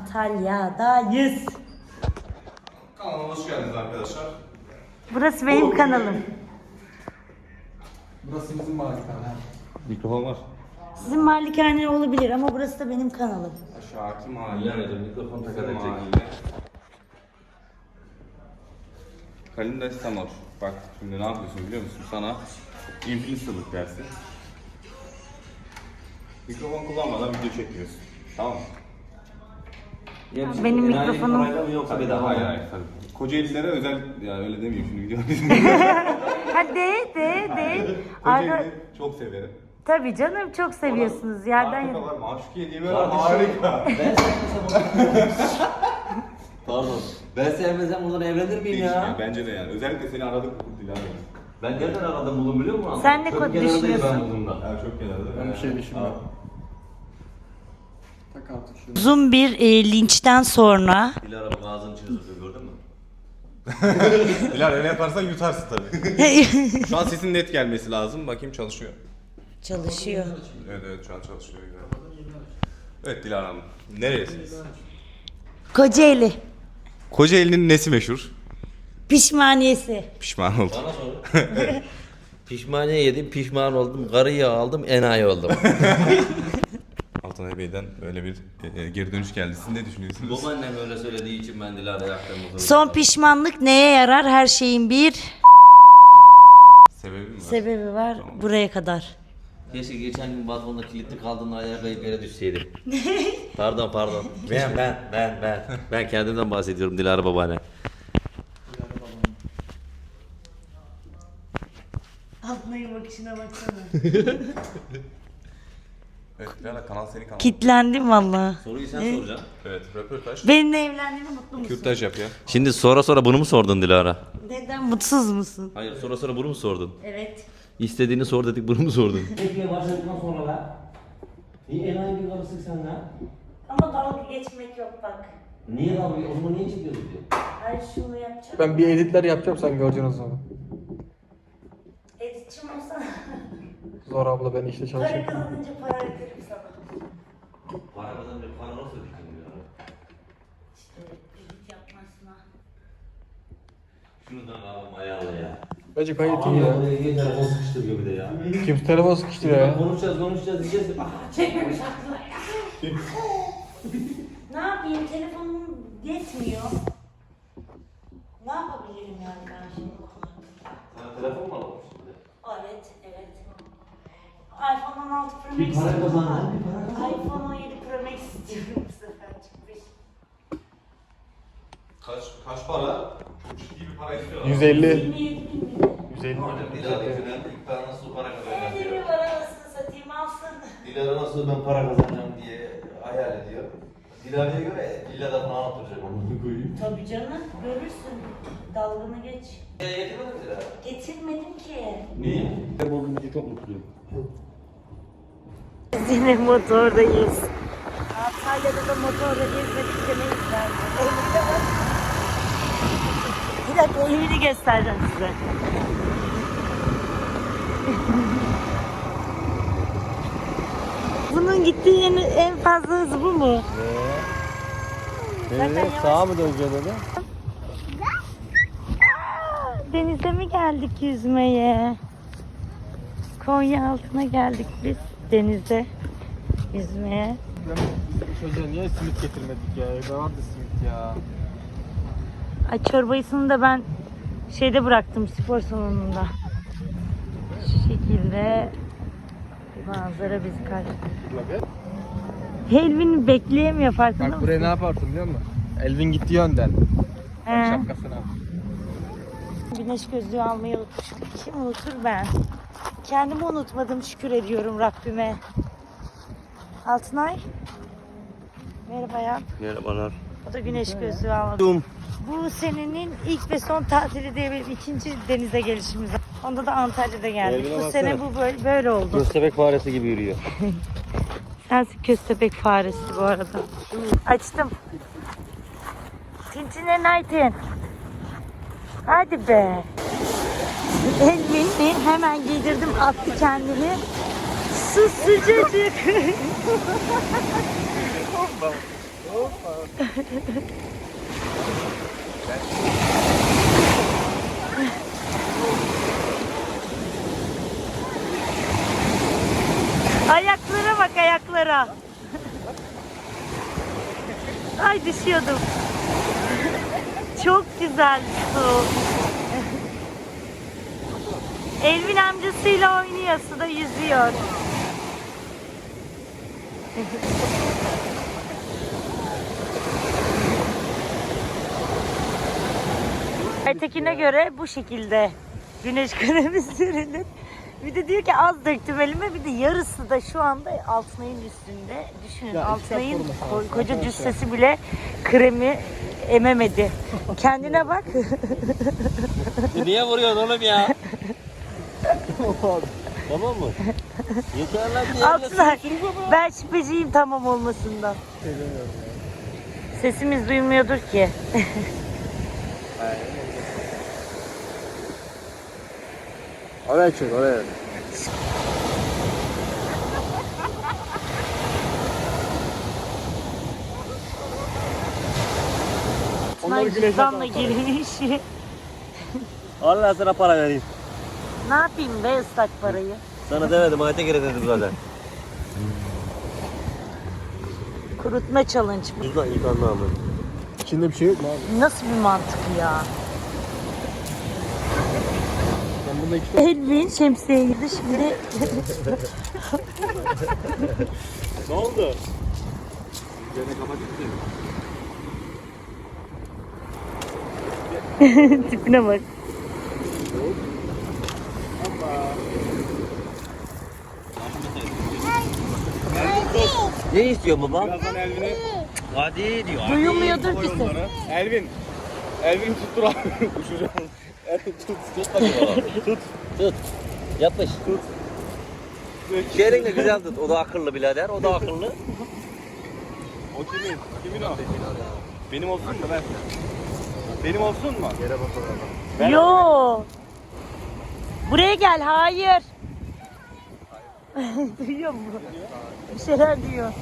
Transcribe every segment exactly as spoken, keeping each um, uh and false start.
Antalya'dayız. Kanalıma hoş geldiniz arkadaşlar. Burası benim kanalım. Burası bizim malikane. Mikrofon var. Sizin malikane olabilir ama burası da benim kanalım. Aşağıki mahalle. Bilemedim, mikrofon takarak çek. Kalinda İstanbul. Bak şimdi ne yapıyorsun biliyor musun? Sana influencerlık dersi. Mikrofon kullanmadan video çekiyorsun. Tamam mı? Ya bir- Benim enayi mikrofonum- parayla mı yoksa bedava mı? Hayır hayır tabii. Kocaeli'lere özel, ya öyle demeyeyim şimdi video. Hadi de de de. Arda, Kocaeli çok severim. tabii canım çok seviyorsunuz yerden Arkada yere. var, Maşukiye diye var, harika. Ben sevmesem Pardon. Ben sevmesem buradan evlenir miyim Değişmiyor, ya? bence de yani. Özellikle seni aradık Dilara. Ben nereden aradım buldum biliyor musun? Sen ne Çok kod kenardayım düşünüyorsun? Ben bununla. Ya çok kenarda. Ben bir şey Aa. düşünmüyorum. Tak artık şunu. Uzun bir e, linçten sonra Dilara bak ağzını çiziyor gördün mü? Dilara öyle yaparsan yutarsın tabii. Şu an sesin net gelmesi lazım. Bakayım çalışıyor. çalışıyor. Evet evet şu an çalışıyor. Güzel. Evet Dilara Hanım. Neresiniz? Kocaeli Kocaeli'nin nesi meşhur? pişmaniyesi. Pişman oldum. Bana sor. Pişmaniye yedim, pişman oldum, karıyı aldım, enayi oldum. Altanay Bey'den böyle bir e, e, geri dönüş geldi. Siz ne düşünüyorsunuz? Babaannem öyle söylediği için ben Dilara'ya aklımı Son pişmanlık neye yarar? Her şeyin bir Sebebi mi var? sebebi var. Buraya kadar. Keşke geçen gün balkonda kilitli kaldığında ayağa kayıp yere düşseydim. Pardon pardon. Ben ben ben ben. Ben kendimden bahsediyorum Dilara babaanne. Altınay'ın bakışına baksana. Evet Dilara kanal senin kanalın. Kitlendim valla. Soruyu sen soracaksın. Evet röportaj. Benimle evlendiğine mutlu musun? Kürtaj yap ya. Şimdi sonra sonra bunu mu sordun Dilara? Neden mutsuz musun? Hayır sonra sonra bunu mu sordun? Evet. İstediğini sor dedik bunu mu sordun? Peki başladıktan sonra da iyi enayi bir karısın sen lan. Ama dalga geçmek yok bak. Niye dalga o zaman niye çekiyorsun diyor. Hayır şunu yapacağım. Ben bir editler yapacağım, sen göreceksin o zaman. Editçim olsana. Zor abla, ben işte Para çalışıyorum. kazanınca para öderim sana. Para kazanınca para nasıl ödeyeceksin Dilara? İşte edit yapmasına. Şuradan ağlam ayağla ya. Bence gayet iyi Ama ya. buraya niye telefon sıkıştırıyor bir de ya? Kimse telefon sıkıştırıyor ya. Konuşacağız konuşacağız diyeceğiz. Ah, Ne yapayım? Telefonum yetmiyor. Ne yapabilirim yani ben şimdi? sana telefon mu alalım şimdi? Evet, evet. iPhone on altı Pro Max. Bir para kazan lan, bir para kazan. iPhone on yedi Pro Max istiyorum bu sefer çıkmış. Kaç kaç para? Çok ciddi bir para istiyor. yüz elli. yirmi yedi bin lira. yüz elli. Dilara yüzünden ilk ben nasıl para kazanacağım Hadi bir diyor. para nasıl satayım alsın. Dilara nasıl ben para kazanacağım diye hayal ediyor. Dilara'ya göre villada falan oturacak onu koyayım. Tabii canım, görürsün. Dalgını geç. Ya getirmedin mi Dilara? Getirmedim ki. Niye? Ben bugün çok mutluyum. Biz yine motordayız. Antalya'da da motorla gezmedik demeyiz bence. Elimde var. Bir dakika evini göstereceğim size. Bunun gittiği yerin en fazla hızı bu mu? Zaten yavaş- Sağa mı döneceğiz dedi? Denize mi geldik yüzmeye? Konya altına geldik biz denize yüzmeye. Çocuğa niye simit getirmedik ya? Evde vardı simit ya. Ay çorbayısını da ben şeyde bıraktım spor salonunda. Şu şekilde bir manzara bizi karşılıyor. Helvin bekleyemiyor farkında Bak mısın? buraya ne yaparsın biliyor musun? Elvin gitti yönden. He. Şapkasını al. Güneş gözlüğü almayı unutmuşum. Kim unutur ben? Kendimi unutmadım şükür ediyorum Rabbime. Altınay. Merhaba ya. Merhabalar. O da güneş gözlüğü almadı. Bu senenin ilk ve son tatili diye benim ikinci denize gelişimiz. Onda da Antalya'da geldik. Evine Bu baksana. sene bu böyle, böyle oldu. Köstebek faresi gibi yürüyor. Sensin köstebek faresi bu arada. Açtım. Tintine Nightin. Hadi be. Elbini hemen giydirdim, attı kendini. Su sıcacık. Ayaklara bak, ayaklara. Ay düşüyordum. Çok güzel su. Elvin amcasıyla oynuyor, suda yüzüyor. Aytekin'e göre bu şekilde güneş kremi sürülür. Bir de diyor ki az döktüm elime, bir de yarısı da şu anda Altınay'ın üstünde. Düşünün, Ya, Altınay'ın iki yapalım ko- efendim, koca arkadaşlar. cüssesi bile kremi ememedi. Kendine bak. Niye vuruyorsun oğlum ya? Tamam mı? Yeter lan diye. Altınay, ben şüpheciyim tamam olmasından. Sesimiz duymuyordur ki. Oraya çek oraya. Altınay cüzdanla girmiş. Allah sana para vereyim. Ne yapayım be ıslak parayı? Sana demedim Aytekin'e dedim zaten. Kurutma challenge bu. Cüzdan yıkandı ama. İçinde bir şey yok mu abi? Nasıl bir mantık ya? Ben bunda iki tane... Elvin şemsiye girdi şimdi. Ne oldu? Tipine bak. Ne istiyor baba? Birazdan Elvin'i Hadi diyor. Duyulmuyordur ki ses. onlara. Elvin. Elvin tuttur abi. Uçacağım. Elvin tut. Tut bakayım baba. Tut. Tut. Yapış. Tut. Şehrin de güzel tut. O da akıllı birader. O da akıllı. O kimin? Kimin o? Benim olsun mu? Ben. Benim olsun mu? Yere bakalım. Yo. Buraya gel. Hayır. Duyuyor musun? Bir şeyler diyor.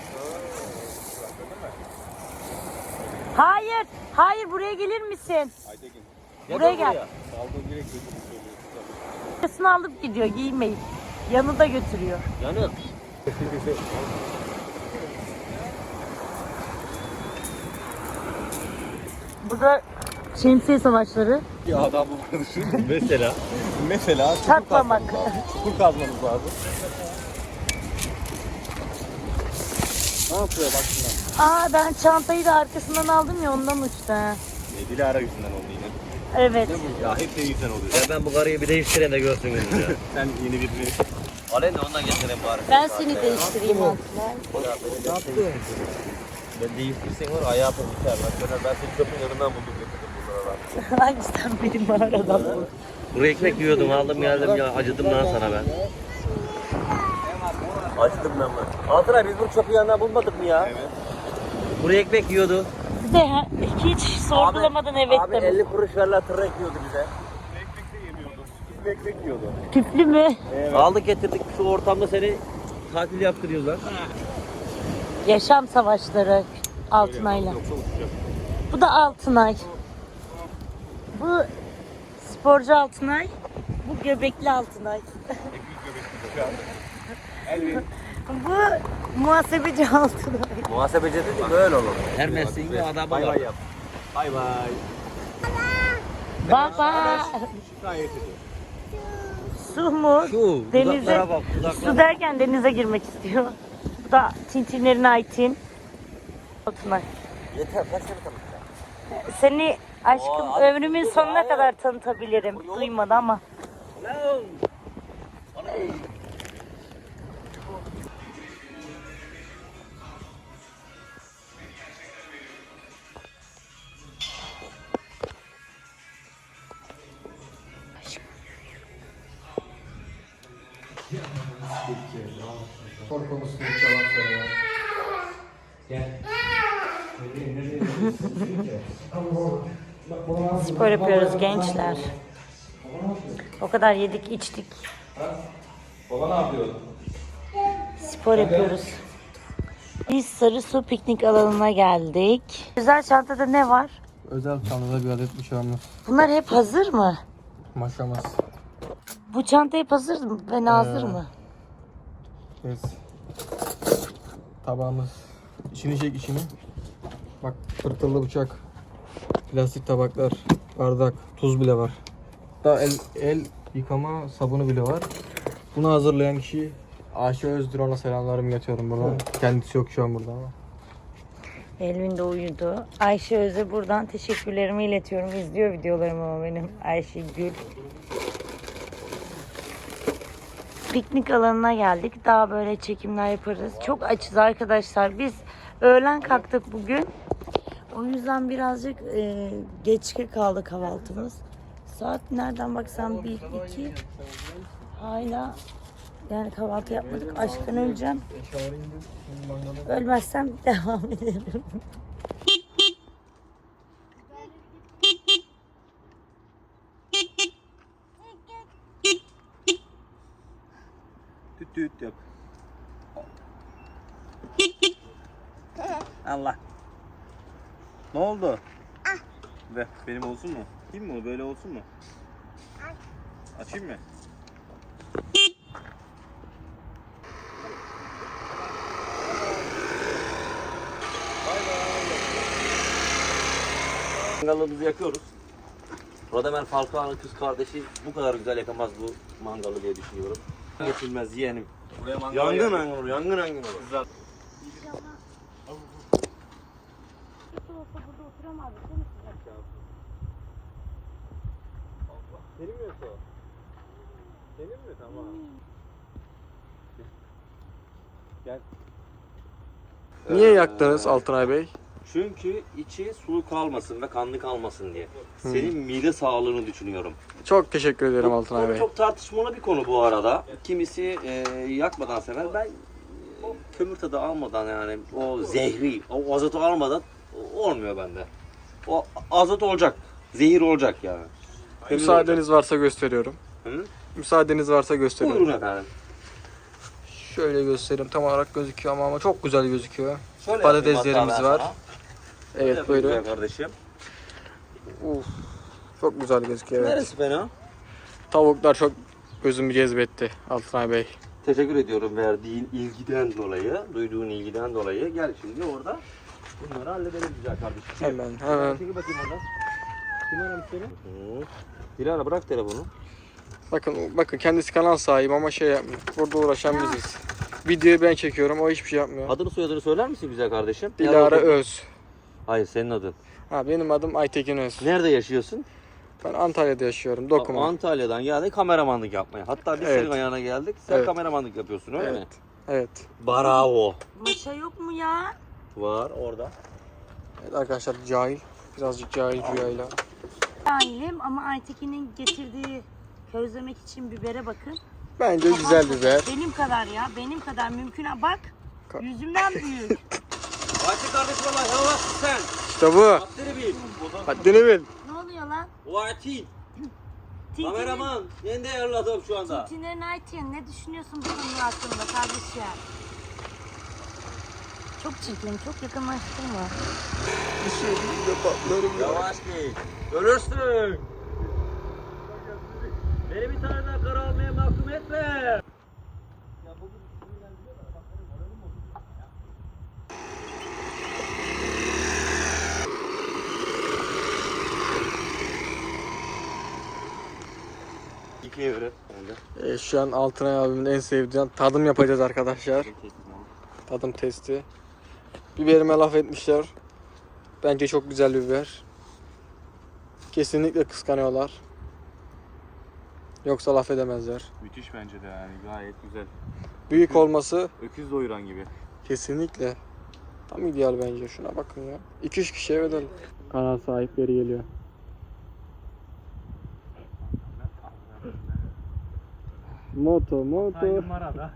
Hayır. Hayır buraya gelir misin? Aytekin. Buraya gel. Saldı direkt götürüp Yakasını alıp gidiyor giymeyip. Yanında götürüyor. Yanıyor. Burada şemsiye savaşları. Ya adam bu konuşur. Mesela. Mesela çukur Çatlamak. kazmamız lazım. Çukur kazmamız lazım. Ne yapıyor bak şuna. Aa ben çantayı da arkasından aldım ya ondan uçtu. ha. E, Dilara yüzünden oldu yine. Evet. Ya hep senin yüzünden oluyor. Ya ben bu karıyı bir değiştireyim de görsün gününü ya. Sen yeni birini... Alen de ondan getireyim bari. Ben seni değiştireyim Altınay. Ne yaptı? Ben değiştirsen var ayağı yapıp biter. Ben, ben seni çöpün yanından buldum getirdim buralara. Ay sen benim mağaradan bul. Kuru ekmek yiyordum aldım geldim ya acıdım lan sana ben. Acıdım ben ben. Altınay biz bunu çöpün yanından bulmadık mı ya? Evet. Kuru ekmek yiyordu. Bir de ha- hiç sorgulamadan evet Abi demiş. elli kuruş verler tırnak yiyordu bize. Ekmek de yemiyordu. Küflü ekmek yiyordu. Tüplü mü? Aldık getirdik şu ortamda seni tatil yaptırıyorlar. Yaşam savaşları Altınay'la. Bu da Altınay. Bu sporcu Altınay. Bu göbekli Altınay. Elvin. Bu muhasebeci Altınay. Muhasebeci dedik böyle olur. Her mesleğin bir adamı Bay var. bay yap. Bay bay. Baba. Gayet iyi. Su mu? Şu Denize. dudaklara bak dudaklara. Su derken denize girmek istiyor. Bu da Tintinlerin Aytin. Altınay. Yeter kaç sene tanıdık. Seni aşkım Oo, abi, ömrümün dur, sonuna hayır. kadar tanıtabilirim. Duymadı ama. Lan. Spor konusunda hiç yalan söyleme. Spor yapıyoruz gençler. O kadar yedik içtik. Baba ne yapıyor? Spor yapıyoruz. Biz Sarısu piknik alanına geldik. Güzel çantada ne var? Özel çantada bir adet bıçağımız. Bunlar hep hazır mı? Maşamız. Bu çanta hep hazır mı ve nazır Ee, mı? Biz. Tabağımız. İçini çek içini. Bak tırtıllı bıçak. Plastik tabaklar. Bardak. Tuz bile var. Hatta el, el yıkama sabunu bile var. Bunu hazırlayan kişi Ayşe Özdür, ona selamlarımı iletiyorum buradan. Kendisi yok şu an burada ama. Elvin de uyudu. Ayşe Öz'e buradan teşekkürlerimi iletiyorum. İzliyor videolarımı ama benim Ayşe Gül. Piknik alanına geldik. Daha böyle çekimler yaparız. Çok açız arkadaşlar. Biz öğlen kalktık bugün. O yüzden birazcık e, geç kaldı kahvaltımız. Saat nereden baksam bir iki. Hala yani kahvaltı yapmadık. Aşktan öleceğim. Ölmezsem devam ederim. Tüt tüt yap. Allah. Ne oldu? Ve benim olsun mu? Açayım mı? Böyle olsun mu? Açayım mı? Mangalımızı yakıyoruz. Radamel Falcao'nun kız kardeşi bu kadar güzel yakamaz bu mangalı diye düşünüyorum. Geçilmez yeğenim. Yangın yangın olur, yangın yangın olur. Senin mi yoksa? Senin mi? Tamam. Gel. Niye yaktınız Altınay Bey? Çünkü içi sulu kalmasın ve kanlı kalmasın diye. Senin mide sağlığını düşünüyorum. Çok teşekkür ederim Altınay Konu Bey. çok tartışmalı bir konu bu arada. Kimisi e, yakmadan sever. Ben e, kömür tadı almadan yani o zehri, o azotu almadan olmuyor bende. O azot olacak, zehir olacak yani. Kömür Müsaadeniz varsa gösteriyorum. olacak. Hı? Müsaadeniz varsa gösteriyorum. Buyurun efendim. Şöyle göstereyim, tam olarak gözüküyor ama, ama çok güzel gözüküyor. Şöyle Patateslerimiz yapayım hatta ben var. sana. Şöyle Evet, yapayım buyurun. güzel kardeşim. Uf, çok güzel gözüküyor. Evet. Neresi fena? Tavuklar çok gözümü cezbetti Altınay Bey. Teşekkür ediyorum verdiğin ilgiden dolayı, duyduğun ilgiden dolayı. Gel şimdi orada bunları halledelim güzel kardeşim. Hemen hemen. Çekil bakayım oradan. Kim aramış seni? Hı. Dilara bırak telefonu. Bakın bakın kendisi kanal sahibi ama şey yapmıyor. Burada uğraşan biziz. Videoyu ben çekiyorum, o hiçbir şey yapmıyor. Adını soyadını söyler misin güzel kardeşim? Dilara Nerede- Öz. Hayır senin adın. Ha, benim adım Aytekin Öz. Nerede yaşıyorsun? Ben Antalya'da yaşıyorum. Dokuma. Antalya'dan geldik kameramanlık yapmaya. Hatta biz Evet. senin ayağına geldik. Sen Evet. kameramanlık yapıyorsun öyle mi? Evet. Evet. Bravo. Maşa yok mu ya? Var orada. Evet arkadaşlar, cahil. Birazcık cahil cüyayla. Ailim ama Aytekin'in getirdiği közlemek için bibere bakın. Bence güzel biber. Benim kadar ya. Benim kadar mümkün. Bak. Yüzümden büyük. Ayşe kardeşim Allah yavaş sen. İşte bu. Haddini bil. Haddini bil. Ne oluyor lan? Vati. Kameraman. Yeni değerli adam şu anda. Tintinlerin Ayten, ne düşünüyorsun bu konu hakkında kardeşim? Çok çirkin, çok yakınlaştırma. Bir şey değil de patlarım ya. Yavaş git. Ölürsün. Beni bir tane daha kara almaya mahkum etme. İkiye göre. Ee, şu an Altınay abimin en sevdiği tadım yapacağız arkadaşlar. Tadım testi. Biberime laf etmişler. Bence çok güzel bir biber. Kesinlikle kıskanıyorlar. Yoksa laf edemezler. Müthiş bence de yani gayet güzel. Büyük olması Öküz doyuran gibi. kesinlikle tam ideal bence. Şuna bakın ya. iki üç kişiye ödelim. Kanal sahipleri geliyor. Moto moto. Marada.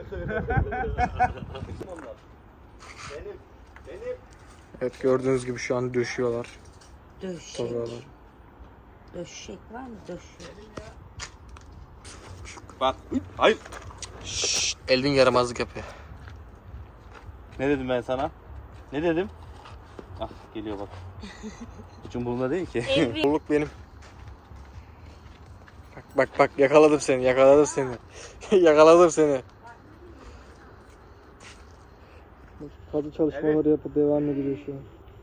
Benim. Benim. Evet, gördüğünüz gibi şu an döşüyorlar. Döşek. Tozuyorlar. Döşek var mı? Döşek. Bak. Hayır. Şşş, Elvin yaramazlık yapıyor. Ne dedim ben sana? Ne dedim? Ah geliyor bak. Hiç umurumda değil ki. Elvin. Bolluk benim. Bak bak bak yakaladım seni, yakaladım seni. yakaladım seni. Kazı çalışmaları yapıp devam ediyor şu an.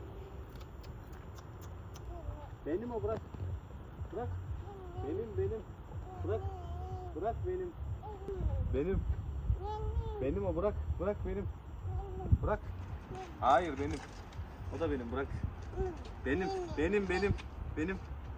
Benim o bırak. Bırak. Benim benim. Bırak. Bırak benim. Benim. Benim o bırak. Bırak benim. Bırak. Hayır benim. O da benim bırak. Benim. Benim benim. Benim.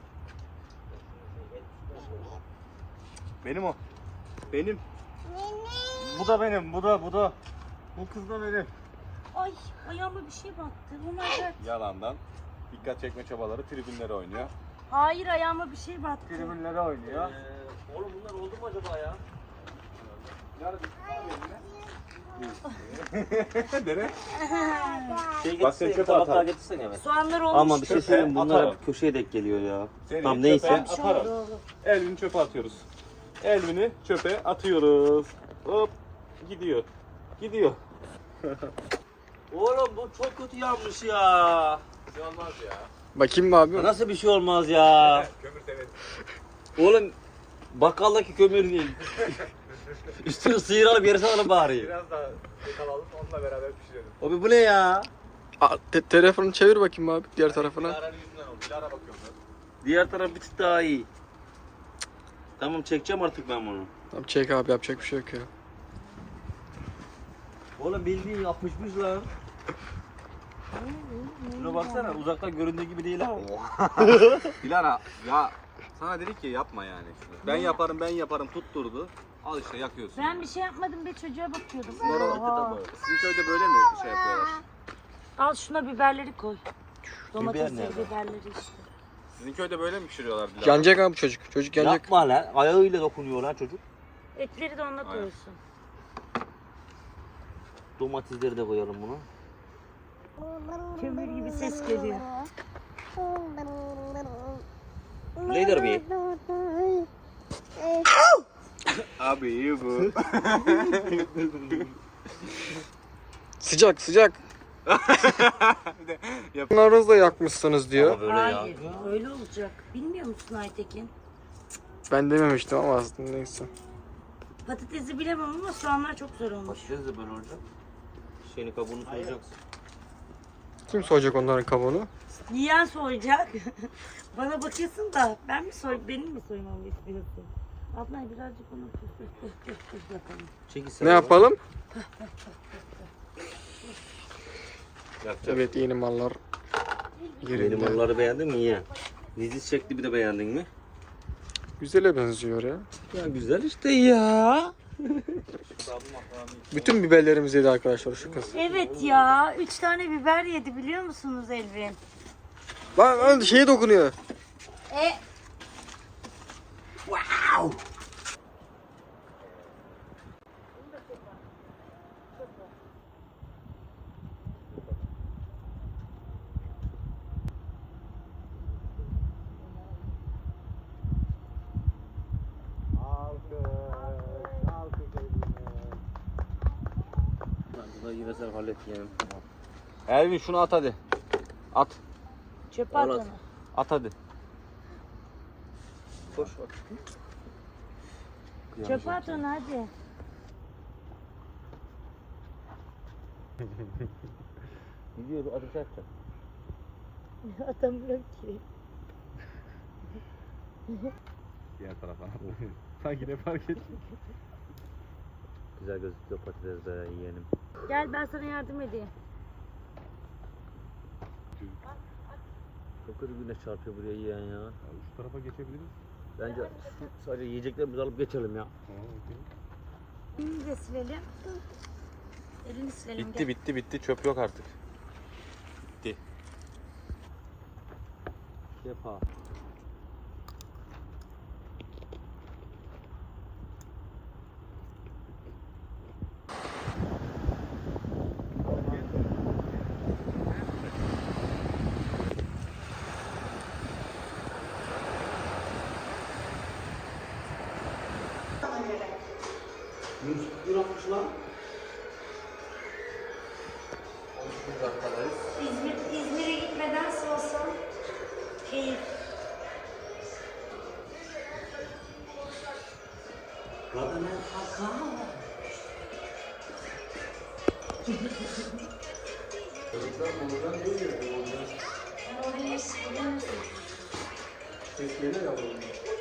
Benim o. Benim. Bu da benim. Bu da bu da. Bu kız da benim. Ay ayağıma bir şey battı. Oh my god. Yalandan dikkat çekme çabaları tribünlere oynuyor. Hayır ayağıma bir şey battı. Tribünlere oynuyor. Ee, oğlum bunlar oldu mu acaba ya? Nere? Şey Bak sen getirsene, çöpe tabaklar atar. getirsene hemen. Soğanlar olmuş. Ama bir şey Çöpe söyleyeyim, bunlar atarım. hep köşeye denk geliyor ya. Seni Tamam çöpe neyse. atarım. Elvini çöpe atıyoruz. Elvini çöpe atıyoruz. Hop gidiyor. Gidiyor. Oğlum bu çok kötü yanmış ya. Bir şey olmaz ya. Bakayım mı abi? Nasıl bir şey olmaz ya? Kömür temiz. Oğlum bakkaldaki kömür değil. Üstünü sıyıralım yarısını alalım bari. Biraz daha yakalalım onunla beraber pişirelim. Abi bu ne ya? Aa, te- telefonu çevir bakayım abi diğer tarafına. Dilara'nın yüzünden oldu. Dilara bakıyorum ben. Diğer taraf bir tık daha iyi. Tamam çekeceğim artık ben bunu. Tamam çek abi yapacak bir şey yok ya. Oğlum bildiğin yapmışmış lan. Şuna baksana uzaktan göründüğü gibi değil ha. Dilara ya sana dedik ki yapma yani. Ben yaparım ben yaparım tutturdu. Al işte yakıyorsun. Ben bir şey yapmadım be çocuğa bakıyordum. Oha. Sizin köyde böyle mi şey yapıyorlar? Al şuna biberleri koy. Domatesleri, nerede? biberleri işte. Sizin köyde böyle mi pişiriyorlar Dilara? Yanacak abi çocuk. Çocuk yanacak. Yapma lan ayağıyla dokunuyor lan çocuk. Etleri de onunla koyuyorsun. Domatesleri de koyalım buna. Kömür gibi ses geliyor. Nedir bir? Abi iyi bu. Sıcak sıcak. Bunlarınızı da yakmışsınız diyor. Ama böyle Hayır, ya. öyle olacak. Bilmiyor musun Aytekin? Ben dememiştim ama aslında neyse. Patatesi bilemem ama soğanlar çok zor olmuş. Patates de böyle olacak. Şeyini kabuğunu soyacaksın. Kim soyacak onların kabuğunu? Yiyen soyacak. Bana bakıyorsun da ben mi soy, benim mi soymamı istiyorsun? Abla birazcık onu püf püf püf püf püf yapalım. Çekil sen Ne onu. yapalım? Yapacak. Evet yeni mallar Benim yerinde. onları beğendin mi ya? Diziz şekli bir de beğendin mi? Güzele benziyor ya. Ya güzel işte ya. Bütün biberlerimizi yedi arkadaşlar şu kız. Evet ya, üç tane biber yedi biliyor musunuz Elvin? Lan lan şeye dokunuyor. E Bunu yine sen hallet yeğenim. Elvin şunu at hadi. At. çöpe at Oğlum. onu. At hadi. Koş bak. Çöpe at onu hadi. Gidiyor ateş açacak. Atamıyorum ki. Diğer tarafa. Sanki ne fark etti? Güzel gözüküyor patates de yeğenim. Gel ben sana yardım edeyim. Çok kötü güneş çarpıyor buraya yiyen ya. Şu tarafa geçebiliriz. Bence şu sadece yiyeceklerimizi alıp geçelim ya. Elini de silelim. Elini silelim. Bitti gel. bitti bitti çöp yok artık. Bitti. Yapar. yüz kırk lan. Ses geliyor ya bunun.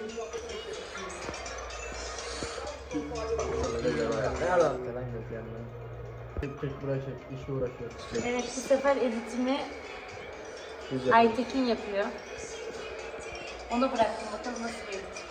Nereden falan yok yani. Tek tek uğraşıyor, işle uğraşıyor. Evet, bu sefer editimi Güzel. Aytekin yapıyor. Ona bıraktım, bakalım nasıl bir edit.